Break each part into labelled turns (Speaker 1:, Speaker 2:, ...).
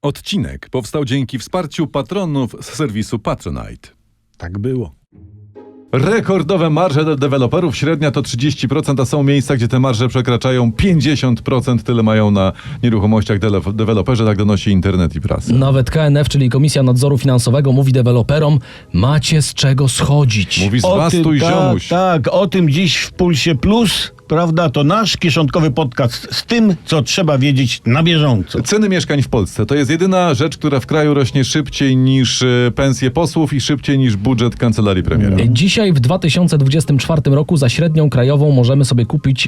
Speaker 1: Odcinek powstał dzięki wsparciu patronów z serwisu Patronite.
Speaker 2: Tak było.
Speaker 1: Rekordowe marże dla deweloperów, średnia to 30%, a są miejsca, gdzie te marże przekraczają 50%, tyle mają na nieruchomościach deweloperzy, tak donosi internet i prasa.
Speaker 3: Nawet KNF, czyli Komisja Nadzoru Finansowego, mówi deweloperom, macie z czego schodzić.
Speaker 1: Mówi zwastuj ziomuś.
Speaker 2: Tak, o tym dziś w Pulsie Plus, prawda, to nasz kieszonkowy podcast z tym, co trzeba wiedzieć na bieżąco.
Speaker 1: Ceny mieszkań w Polsce to jest jedyna rzecz, która w kraju rośnie szybciej niż pensje posłów i szybciej niż budżet kancelarii premiera.
Speaker 3: Dzisiaj w 2024 roku za średnią krajową możemy sobie kupić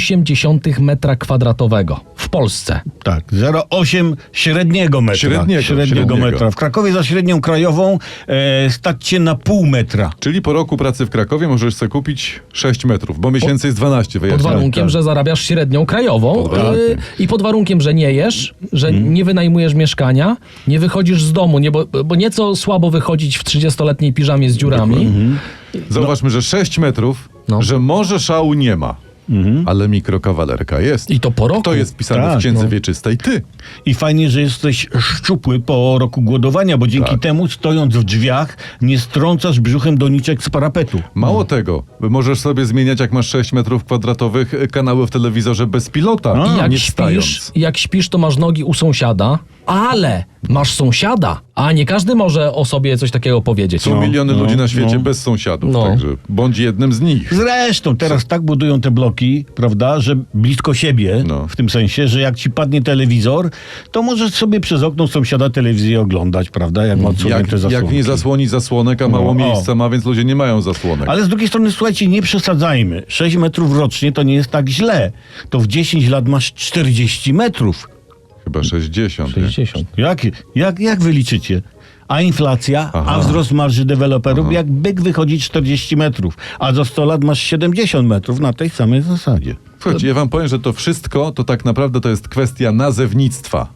Speaker 3: 0,8 metra kwadratowego w Polsce.
Speaker 2: Tak, 0,8 średniego metra. Średniego metra. W Krakowie za średnią krajową stać się na pół metra.
Speaker 1: Czyli po roku pracy w Krakowie możesz sobie kupić 6 metrów, bo miesięcy jest 12.
Speaker 3: Pod warunkiem, że zarabiasz średnią krajową i pod warunkiem, że nie jesz, że nie wynajmujesz mieszkania, nie wychodzisz z domu, bo nieco słabo wychodzić w 30-letniej piżamie z dziurami.
Speaker 1: Zauważmy, że 6 metrów, że może szału nie ma, ale mikrokawalerka jest.
Speaker 3: I to po roku.
Speaker 1: To jest wpisane w księdze wieczystej. Ty.
Speaker 2: I fajnie, że jesteś szczupły po roku głodowania, bo dzięki temu, stojąc w drzwiach, nie strącasz brzuchem doniczek z parapetu.
Speaker 1: Mało tego, możesz sobie zmieniać, jak masz 6 metrów kwadratowych, kanały w telewizorze bez pilota, nie wstając.
Speaker 3: Jak śpisz, to masz nogi u sąsiada, ale masz sąsiada, a nie każdy może o sobie coś takiego powiedzieć.
Speaker 1: Są miliony ludzi na świecie bez sąsiadów, także bądź jednym z nich.
Speaker 2: Zresztą teraz tak budują te bloki, prawda, że blisko siebie, w tym sensie, że jak ci padnie telewizor, to możesz sobie przez okno sąsiada telewizję oglądać, prawda, jak ma odsłonięte zasłonki.
Speaker 1: Jak nie zasłoni zasłonek, a mało miejsca ma, więc ludzie nie mają zasłonek.
Speaker 2: Ale z drugiej strony, słuchajcie, nie przesadzajmy. 6 metrów rocznie to nie jest tak źle. To w 10 lat masz 40 metrów.
Speaker 1: Chyba 60.
Speaker 3: 60.
Speaker 2: Jak wy liczycie? A inflacja, a wzrost marży deweloperów, jak byk wychodzi 40 metrów, a za 100 lat masz 70 metrów na tej samej zasadzie.
Speaker 1: Słuchajcie, ja wam powiem, że to wszystko to tak naprawdę to jest kwestia nazewnictwa.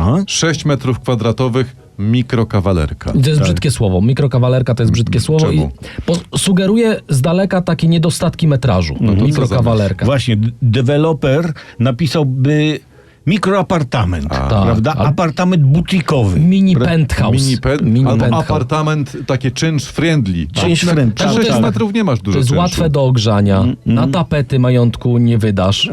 Speaker 1: 6 metrów kwadratowych mikrokawalerka.
Speaker 3: To jest brzydkie słowo. Mikrokawalerka to jest brzydkie słowo.
Speaker 1: Czemu?
Speaker 3: I sugeruje z daleka takie niedostatki metrażu. Mikrokawalerka.
Speaker 2: Właśnie, deweloper napisałby mikroapartament, prawda? Apartament butikowy.
Speaker 3: Mini penthouse.
Speaker 1: Albo apartament takie czynsz friendly.
Speaker 2: Czynsz friendly.
Speaker 1: 6 metrów nie masz dużo
Speaker 3: To jest
Speaker 1: czynszu.
Speaker 3: łatwe do ogrzania. Na tapety majątku nie wydasz.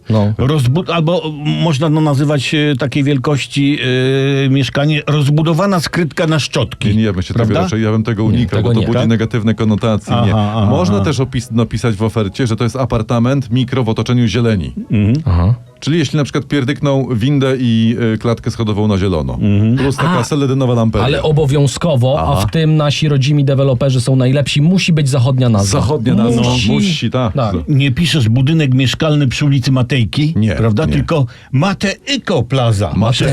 Speaker 2: Albo można nazywać takiej wielkości mieszkanie rozbudowana skrytka na szczotki.
Speaker 1: Nie, ja bym tego unikał, bo to budzi negatywne konotacje. Można też napisać w ofercie, że to jest apartament mikro w otoczeniu zieleni. Czyli jeśli na przykład pierdykną windę i klatkę schodową na zielono. Plus taka seledynowa lamperia.
Speaker 3: Ale obowiązkowo, a w tym nasi rodzimi deweloperzy są najlepsi, musi być zachodnia nazwa.
Speaker 1: Zachodnia nazwa. Musi, tak.
Speaker 2: Nie piszesz budynek mieszkalny przy ulicy Matejki, prawda?
Speaker 1: Nie.
Speaker 2: Tylko Matejko Plaza.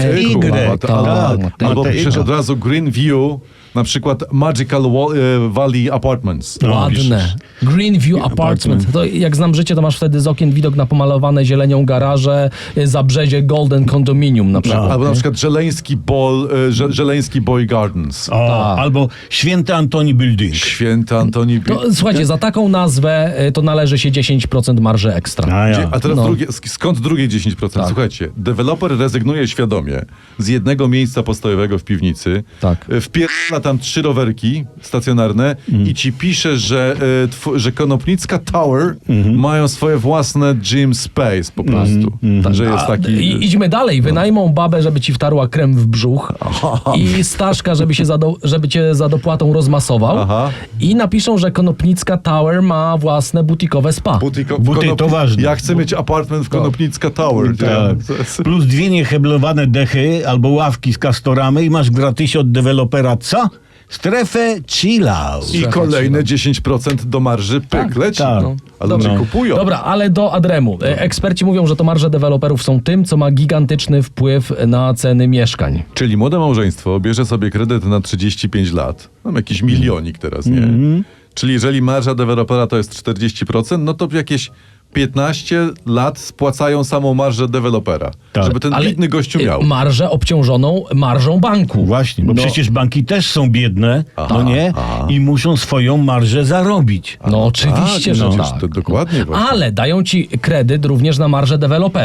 Speaker 1: Albo piszesz od razu Green View, na przykład Magical Valley Apartments.
Speaker 3: Ładne. Green View Apartment. To jak znam życie, to masz wtedy z okien widok na pomalowane zielenią garaże, zabrzezie Golden Condominium na przykład.
Speaker 1: Albo na przykład Żeleński Boy Gardens.
Speaker 2: Albo Święty Antoni Building.
Speaker 1: Święty Antoni Building.
Speaker 3: Słuchajcie, za taką nazwę to należy się 10% marży ekstra.
Speaker 1: A teraz skąd drugie 10%? Słuchajcie, deweloper rezygnuje świadomie z jednego miejsca postojowego w piwnicy, wpierdala tam 3 rowerki stacjonarne i ci pisze, że Konopnicka Tower mają swoje własne gym space po prostu. Że jest taki...
Speaker 3: I idźmy dalej. Wynajmą babę, żeby ci wtarła krem w brzuch i Staszka, żeby cię za dopłatą rozmasował i napiszą, że Konopnicka Tower ma własne butikowe spa.
Speaker 2: To ważne.
Speaker 1: Ja chcę mieć apartment w Konopnicka Tower.
Speaker 2: Plus 2 nieheblowane dechy albo ławki z kastoramy i masz gratis od dewelopera co? Strefę chill out.
Speaker 1: I kolejne 10% do marży leci. A ludzie kupują.
Speaker 3: Dobra, ale do Adremu. Eksperci mówią, że to marże deweloperów są tym, co ma gigantyczny wpływ na ceny mieszkań.
Speaker 1: Czyli młode małżeństwo bierze sobie kredyt na 35 lat. Mam jakiś milionik teraz, nie? Czyli jeżeli marża dewelopera to jest 40%, no to jakieś 15 lat spłacają samą marżę dewelopera. Żeby ten biedny gościu miał.
Speaker 3: Marżę obciążoną marżą banku.
Speaker 2: Właśnie, bo przecież banki też są biedne, i muszą swoją marżę zarobić.
Speaker 3: Oczywiście, że tak.
Speaker 1: To dokładnie właśnie.
Speaker 3: Ale dają ci kredyt również na marżę dewelopera.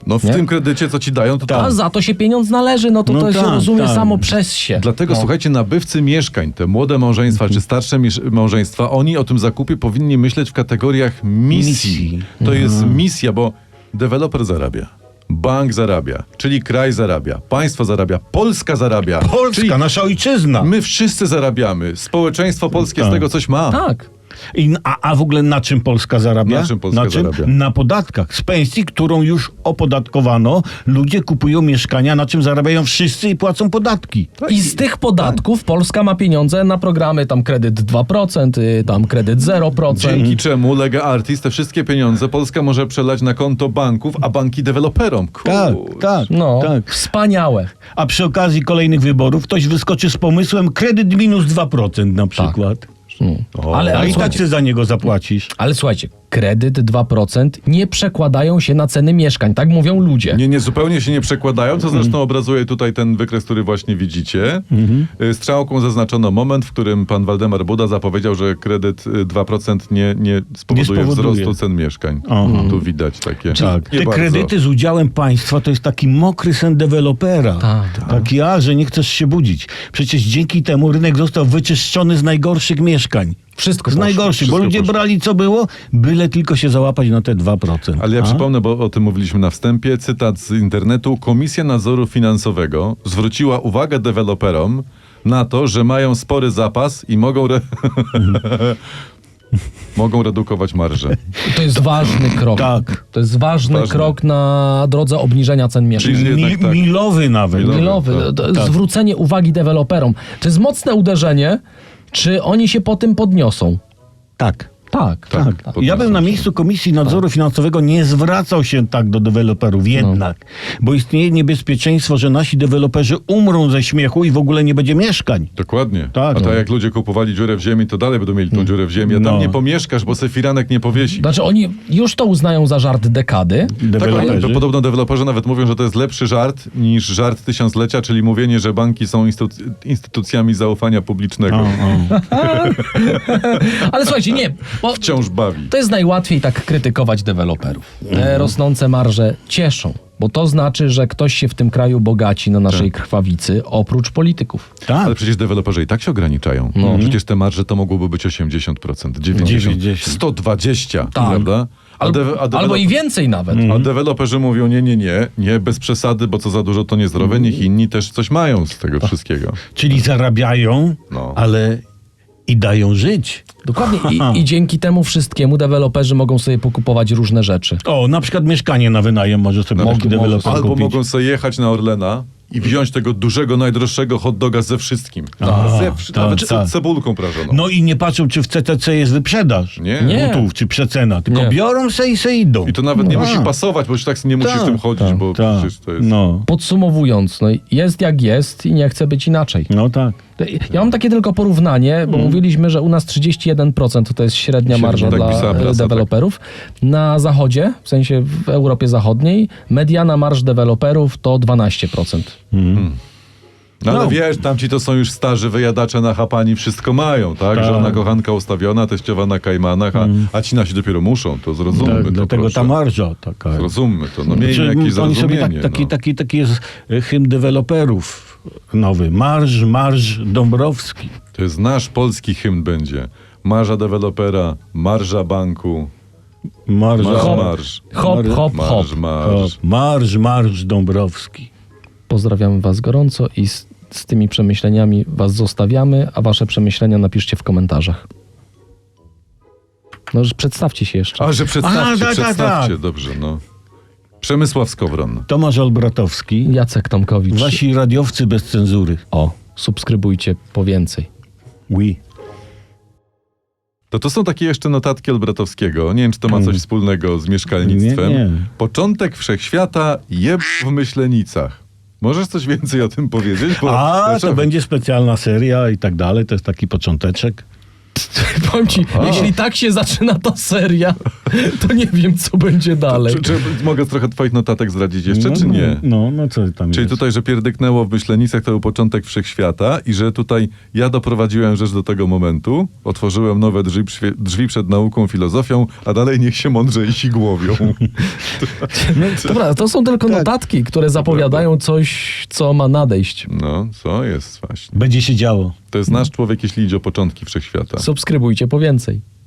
Speaker 1: No w
Speaker 3: Nie?
Speaker 1: tym kredycie, co ci dają, to
Speaker 3: A
Speaker 1: tam.
Speaker 3: za to się pieniądz należy, no to
Speaker 2: No
Speaker 3: to się
Speaker 2: tak,
Speaker 3: rozumie
Speaker 2: tak.
Speaker 3: samo przez się.
Speaker 1: Dlatego, słuchajcie, nabywcy mieszkań, te młode małżeństwa czy starsze małżeństwa, oni o tym zakupie powinni myśleć w kategoriach misji. To jest misja, bo deweloper zarabia, bank zarabia, czyli kraj zarabia, państwo zarabia, Polska zarabia.
Speaker 2: Polska,
Speaker 1: czyli
Speaker 2: nasza ojczyzna.
Speaker 1: my wszyscy zarabiamy. Społeczeństwo polskie z tego coś ma.
Speaker 3: Tak.
Speaker 2: A w ogóle na czym Polska zarabia?
Speaker 1: Na czym Polska zarabia?
Speaker 2: Na podatkach. Z pensji, którą już opodatkowano, ludzie kupują mieszkania, na czym zarabiają wszyscy i płacą podatki.
Speaker 3: I z tych podatków Polska ma pieniądze na programy tam kredyt 2%, tam kredyt 0%.
Speaker 1: Dzięki czemu Lega Artis te wszystkie pieniądze Polska może przelać na konto banków, a banki deweloperom.
Speaker 2: Tak,
Speaker 1: Kurczę.
Speaker 2: tak,
Speaker 3: No,
Speaker 2: tak.
Speaker 3: wspaniałe.
Speaker 2: A przy okazji kolejnych wyborów ktoś wyskoczy z pomysłem kredyt minus 2% na przykład.
Speaker 3: Ale,
Speaker 2: A i tak
Speaker 3: słuchajcie,
Speaker 2: ty za niego zapłacisz.
Speaker 3: ale słuchajcie, kredyt 2% nie przekładają się na ceny mieszkań, tak mówią ludzie.
Speaker 1: Nie, zupełnie się nie przekładają, co zresztą obrazuje tutaj ten wykres, który właśnie widzicie. Strzałką zaznaczono moment, w którym pan Waldemar Buda zapowiedział, że kredyt 2% nie spowoduje wzrostu cen mieszkań. Tu widać takie.
Speaker 2: Tak.
Speaker 1: Nie
Speaker 2: Te
Speaker 1: bardzo.
Speaker 2: kredyty z udziałem państwa to jest taki mokry sen dewelopera.
Speaker 3: Tak.
Speaker 2: Taki, że nie chcesz się budzić. Przecież dzięki temu rynek został wyczyszczony z najgorszych mieszkań.
Speaker 3: Wszystko
Speaker 2: Z
Speaker 3: poszło.
Speaker 2: najgorszych, bo
Speaker 1: Wszystko
Speaker 2: ludzie
Speaker 1: poszło.
Speaker 2: brali co było, byle tylko się załapać na te 2%.
Speaker 1: Ale ja
Speaker 2: A?
Speaker 1: przypomnę, bo o tym mówiliśmy na wstępie, cytat z internetu. Komisja Nadzoru Finansowego zwróciła uwagę deweloperom na to, że mają spory zapas i mogą mogą redukować marże.
Speaker 3: To jest ważny krok.
Speaker 2: Tak.
Speaker 3: To jest ważny krok na drodze obniżenia cen mieszkań.
Speaker 1: Czyli jednak tak.
Speaker 2: Milowy nawet.
Speaker 3: Milowy.
Speaker 1: tak.
Speaker 3: Zwrócenie uwagi deweloperom. To jest mocne uderzenie, czy oni się po tym podniosą?
Speaker 2: Tak.
Speaker 3: Tak.
Speaker 2: Tak. Ja bym na miejscu Komisji Nadzoru Finansowego nie zwracał się tak do deweloperów jednak, bo istnieje niebezpieczeństwo, że nasi deweloperzy umrą ze śmiechu i w ogóle nie będzie mieszkań.
Speaker 1: Dokładnie.
Speaker 2: Tak.
Speaker 1: A tak jak ludzie kupowali dziurę w ziemi, to dalej będą mieli tą dziurę w ziemi, a tam
Speaker 2: No.
Speaker 1: nie pomieszkasz, bo se firanek nie powiesi.
Speaker 3: Znaczy oni już to uznają za żart dekady.
Speaker 1: Tak, ale
Speaker 2: Deweloperzy.
Speaker 1: podobno deweloperzy nawet mówią, że to jest lepszy żart niż żart tysiąclecia, czyli mówienie, że banki są instytucjami zaufania publicznego.
Speaker 3: Ale słuchajcie, nie, bo
Speaker 1: Wciąż bawi.
Speaker 3: to jest najłatwiej tak krytykować deweloperów. Te rosnące marże cieszą, bo to znaczy, że ktoś się w tym kraju bogaci na naszej krwawicy, oprócz polityków.
Speaker 2: Tak.
Speaker 1: Ale przecież deweloperzy i tak się ograniczają. Przecież te marże to mogłoby być 80%, 90%, 120%, prawda?
Speaker 3: Albo i więcej nawet.
Speaker 1: A deweloperzy mówią, nie, bez przesady, bo co za dużo to niezdrowe, niech inni też coś mają z tego wszystkiego.
Speaker 2: Czyli zarabiają,
Speaker 1: No.
Speaker 2: ale i dają żyć.
Speaker 3: Dokładnie. I dzięki temu wszystkiemu deweloperzy mogą sobie pokupować różne rzeczy.
Speaker 2: O, na przykład mieszkanie na wynajem może sobie taki deweloper
Speaker 1: Albo
Speaker 2: kupić.
Speaker 1: mogą sobie jechać na Orlena i wziąć tego dużego, najdroższego hot doga ze wszystkim. Nawet
Speaker 2: tak.
Speaker 1: z cebulką prażoną.
Speaker 2: No i nie patrzą, czy w CTC jest wyprzedaż
Speaker 1: Nie.
Speaker 2: butów, czy przecena, tylko
Speaker 3: Nie.
Speaker 2: biorą se i se idą.
Speaker 1: I to nawet nie musi pasować, bo już tak nie musisz tym chodzić, bo przecież to jest...
Speaker 2: No.
Speaker 3: Podsumowując, no jest jak jest i nie chce być inaczej.
Speaker 2: No tak.
Speaker 3: Ja mam takie tylko porównanie, bo mówiliśmy, że u nas 31% to jest średnia marża
Speaker 1: tak
Speaker 3: dla
Speaker 1: pisała prasa,
Speaker 3: deweloperów. Na zachodzie, w sensie w Europie Zachodniej, mediana marż deweloperów to 12%.
Speaker 1: No ale
Speaker 2: No.
Speaker 1: wiesz, tamci to są już starzy wyjadacze na chapani, wszystko mają, tak? Żona kochanka ustawiona, teściowa na kajmanach, a ci nasi dopiero muszą, to zrozummy
Speaker 2: Tak,
Speaker 1: to,
Speaker 2: dlatego
Speaker 1: proszę.
Speaker 2: ta marża taka.
Speaker 1: Zrozummy to, no miejmy jakieś
Speaker 2: oni sobie
Speaker 1: zrozumienie.
Speaker 2: taki jest hymn deweloperów nowy. Marsz Dąbrowski.
Speaker 1: To jest nasz polski hymn będzie. Marża dewelopera, marża banku,
Speaker 2: Marsz
Speaker 3: Hop, hop, hop.
Speaker 2: Marsz Dąbrowski.
Speaker 3: Pozdrawiamy was gorąco i z tymi przemyśleniami was zostawiamy, a wasze przemyślenia napiszcie w komentarzach. No, że przedstawcie się jeszcze.
Speaker 1: A, że przedstawcie,
Speaker 2: tak,
Speaker 1: przedstawcie,
Speaker 2: tak.
Speaker 1: dobrze, no. Przemysław Skowron.
Speaker 2: Tomasz Olbratowski.
Speaker 3: Jacek Tomkowicz.
Speaker 2: Wasi radiowcy bez cenzury.
Speaker 3: O, subskrybujcie po więcej.
Speaker 2: Oui.
Speaker 1: To są takie jeszcze notatki Olbratowskiego. Nie wiem, czy to ma coś wspólnego z mieszkalnictwem.
Speaker 2: Nie.
Speaker 1: Początek wszechświata jeb w Myślenicach. Możesz coś więcej o tym powiedzieć? Bo
Speaker 2: To będzie specjalna seria i tak dalej. To jest taki począteczek.
Speaker 3: Powiem ci, jeśli tak się zaczyna ta seria, to nie wiem, co będzie dalej.
Speaker 1: Czy mogę trochę twoich notatek zdradzić jeszcze, czy nie?
Speaker 2: No co tam
Speaker 1: Czyli
Speaker 2: jest?
Speaker 1: tutaj, że pierdyknęło w Myślenicach, to był początek wszechświata i że tutaj ja doprowadziłem rzecz do tego momentu, otworzyłem nowe drzwi przed nauką, filozofią, a dalej niech się mądrzejsi głowią.
Speaker 3: Dobra, to są tylko notatki, które zapowiadają coś, co ma nadejść.
Speaker 1: No, co jest właśnie.
Speaker 2: Będzie się działo.
Speaker 1: To jest nasz człowiek, jeśli idzie o początki wszechświata.
Speaker 3: Subskrybujcie po więcej.